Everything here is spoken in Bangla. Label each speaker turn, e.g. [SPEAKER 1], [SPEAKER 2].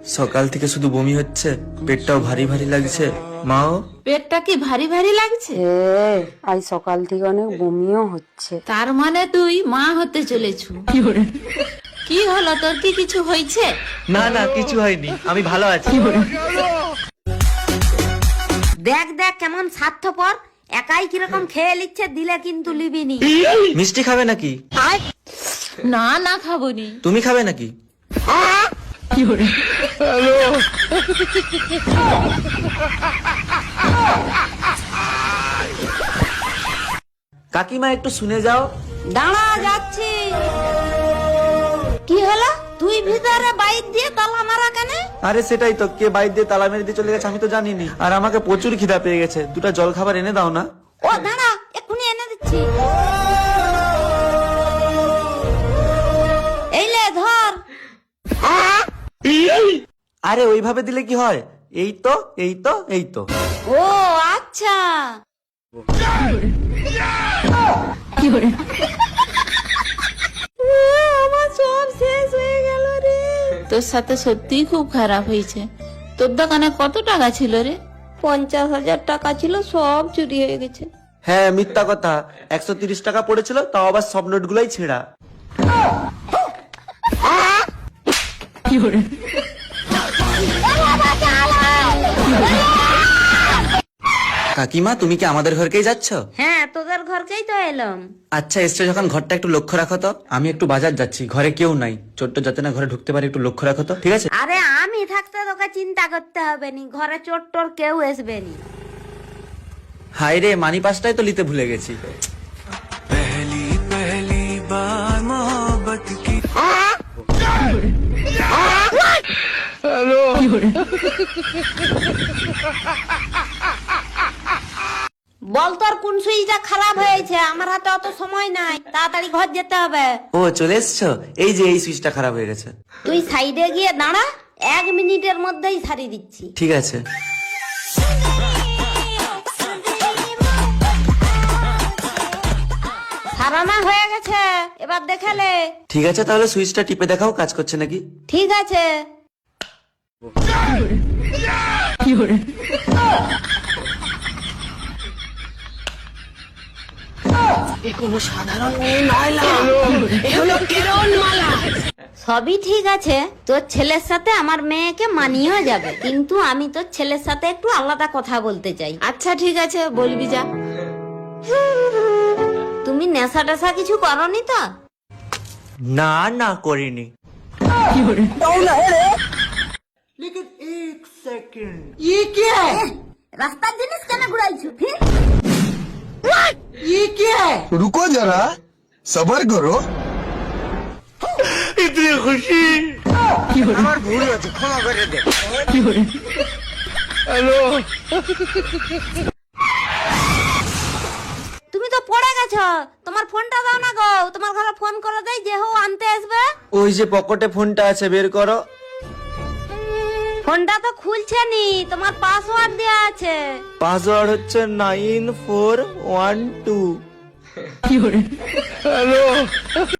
[SPEAKER 1] সকাল থেকে শুধু বমি হচ্ছে, পেটটাও ভারী ভারী লাগছে। মাও
[SPEAKER 2] পেটটা কি ভারী ভারী লাগছে?
[SPEAKER 3] আজ সকাল থেকে অনেক বমিও হচ্ছে।
[SPEAKER 2] তার মানে তুই মা হতে চলেছু। কি হলো তোর, কি কিছু হয়েছে?
[SPEAKER 1] না না কিছু হয়নি, আমি ভালো আছি।
[SPEAKER 3] দেখ দেখ কেমন স্বার্থপর, একাই কিরকম খেয়ে নিচ্ছে, দিলে কিন্তু লিবিনি।
[SPEAKER 1] মিষ্টি খাবে নাকি?
[SPEAKER 2] না না খাবনি।
[SPEAKER 1] তুমি খাবে নাকি? কাকিমা একটু শুনে যাও।
[SPEAKER 3] দাঁড়া, যাচ্ছি। কি হলো, তুই ভিতরে বাইক দিয়ে তালা মারা কেন?
[SPEAKER 1] আরে সেটাই তো, কে বাইর দিয়ে তালা মেরে দিয়ে চলে গেছে আমি তো জানিনি। আর আমাকে প্রচুর খিদা পেয়ে গেছে, দুটো জল খাবার এনে দাও না।
[SPEAKER 3] ও দাঁড়া, এক্ষুনি এনে দিচ্ছি। এই লে ধর।
[SPEAKER 1] আরে ওইভাবে দিলে কি হয়? এই তো এই তো এই তো।
[SPEAKER 3] ও আচ্ছা। আমার সব শেষ হয়ে গেল রে।
[SPEAKER 2] তোর সাথে সত্যিই খুব খারাপ হয়েছে। তোর দোকানে কত টাকা ছিল রে?
[SPEAKER 3] 50,000 টাকা ছিল, সব চুরি হয়ে গেছে।
[SPEAKER 1] হ্যাঁ মিথ্যা কথা, 130 টাকা পড়েছিল, তাও আবার সব নোট গুলাই ছেঁড়া। কাকিমা তুমি কি আমাদের ঘরকেই যাচ্ছ?
[SPEAKER 3] হ্যাঁ, তোদের ঘরকেই তো এলাম।
[SPEAKER 1] আচ্ছা এসছো যখন ঘরটা একটু লক্ষ্য রাখো তো। আমি একটু বাজার যাচ্ছি, ঘরে কেউ নাই, চোরটা যাতে না ঘরে ঢুকতে পারে, একটু লক্ষ্য রাখো তো, ঠিক আছে?
[SPEAKER 3] আরে আমি থাকতে তোকে চিন্তা করতে হবে নি, ঘরে চোর টোর কেউ আসবে নি।
[SPEAKER 1] হাই রে, মানি পাসটাই তো নিতে ভুলে গেছি।
[SPEAKER 4] पहली पहली बार मोहब्बत की
[SPEAKER 3] বল তোর কোন সুইচটা খারাপ হয়েছে, আমার হাতে অত সময় নাই, তাড়াতাড়ি ঘর যেতে হবে।
[SPEAKER 1] ও চলে এসছো, এই যে এই সুইচটা খারাপ হয়ে গেছে।
[SPEAKER 3] তুই সাইডে গিয়ে দাঁড়া, 1 মিনিটের মধ্যেই সারিয়ে দিচ্ছি।
[SPEAKER 1] ঠিক আছে।
[SPEAKER 3] সারানা হয়ে গেছে, এবার দেখালে।
[SPEAKER 1] ঠিক আছে তাহলে সুইচটা টিপে দেখাও কাজ করছে নাকি।
[SPEAKER 3] ঠিক আছে। সবই ঠিক আছে, তোর ছেলের সাথে আমার মেয়েকে মানিয়েও যাবে, কিন্তু আমি তোর ছেলের সাথে একটু আলাদা কথা বলতে চাই।
[SPEAKER 2] আচ্ছা ঠিক আছে, বলবি যা।
[SPEAKER 3] তুমি নেশা টেশা কিছু করনি তো?
[SPEAKER 1] না না করিনি।
[SPEAKER 3] রাস্তার জিনিস কেন ঘুরাইছো?
[SPEAKER 5] रुको जरा, सबर करो।
[SPEAKER 1] আমার ভুল হয়েছে, ক্ষমা করে দে।
[SPEAKER 3] তুমি তো পড়ে গেছো, তোমার ফোনটা দাও না গো, তোমার ঘরে ফোন করে দেয়, যে হো আনতে আসবে।
[SPEAKER 1] ওই যে পকেটে ফোনটা আছে, বের করো।
[SPEAKER 3] ফোনটা তো খুলছে নি, তোমার পাসওয়ার্ড দেওয়া আছে।
[SPEAKER 1] পাসওয়ার্ড হচ্ছে 9412।